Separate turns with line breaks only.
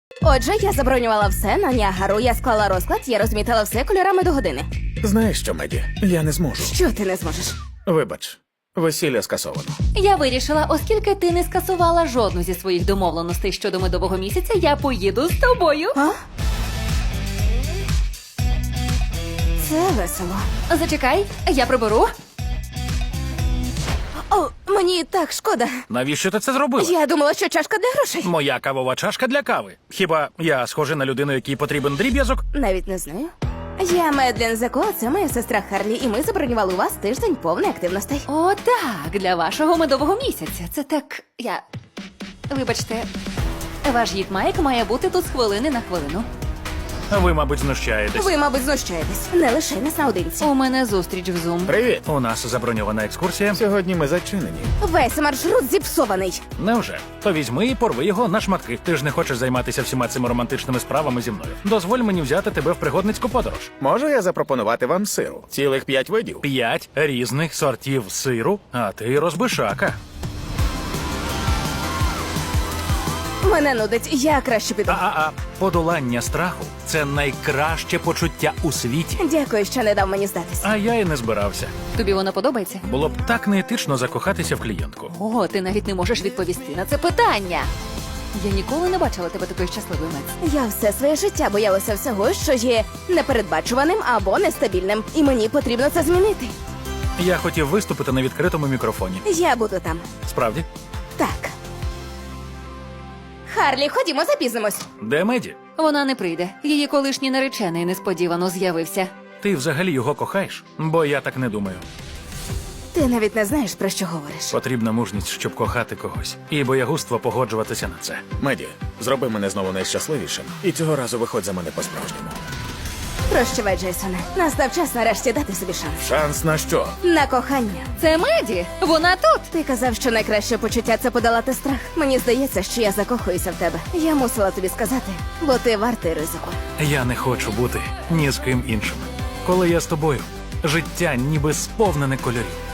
Отже, я забронювала все на Ніагару, я склала розклад, я розмітила все кольорами до години.
Знаєш що, Меді? Я не зможу.
Що ти не зможеш?
Вибач, весілля скасовано.
Я вирішила, оскільки ти не скасувала жодну зі своїх домовленостей щодо медового місяця, я поїду з тобою.
А? Це весело.
Зачекай, я приберу.
О, мені так шкода.
Навіщо ти це зробила?
Я думала, що чашка для грошей.
Моя кавова чашка для кави. Хіба я схожий на людину, якій потрібен дріб'язок?
Навіть не знаю. Я Медлен Зеко, це моя сестра Харлі, і ми забронювали у вас тиждень повний активностей.
О, так, для вашого медового місяця. Це так. Вибачте, ваш гід Майк має бути тут з хвилини на хвилину.
Ви, мабуть, знущаєтесь.
Ви, мабуть, знущаєтесь. Не лише нас наодинці.
У мене зустріч в Zoom.
Привіт!
У нас заброньована екскурсія.
Сьогодні ми зачинені.
Весь маршрут зіпсований.
Невже? То візьми і порви його на шматки. Ти ж не хочеш займатися всіма цими романтичними справами зі мною. Дозволь мені взяти тебе в пригодницьку подорож.
Можу я запропонувати вам сиру? Цілих 5 видів.
5 різних сортів сиру, а ти розбишака.
Мене нудить, я краще піду.
Подолання страху – це найкраще почуття у світі.
Дякую, що не дав мені здатись.
А я і не збирався.
Тобі воно подобається?
Було б так неетично закохатися в клієнтку.
О, ти навіть не можеш відповісти на це питання. Я ніколи не бачила тебе такою щасливою, Мец.
Я все своє життя боялася всього, що є непередбачуваним або нестабільним. І мені потрібно це змінити.
Я хотів виступити на відкритому мікрофоні.
Я буду там.
Справді?
Так. Харлі, ходімо, запізнимось.
Де Меді?
Вона не прийде. Її колишній наречений несподівано з'явився.
Ти взагалі його кохаєш? Бо я так не думаю.
Ти навіть не знаєш, про що говориш.
Потрібна мужність, щоб кохати когось. І боягузтво погоджуватися на це.
Меді, зроби мене знову найщасливішим. І цього разу виходь за мене по-справжньому.
Прощавай, Джейсоне. Настав час нарешті дати собі шанс.
Шанс на що?
На кохання.
Це Меді! Вона тут!
Ти казав, що найкраще почуття – це подолати страх. Мені здається, що я закохуюся в тебе. Я мусила тобі сказати, бо ти вартий ризику.
Я не хочу бути ні з ким іншим. Коли я з тобою, життя ніби сповнене кольорів.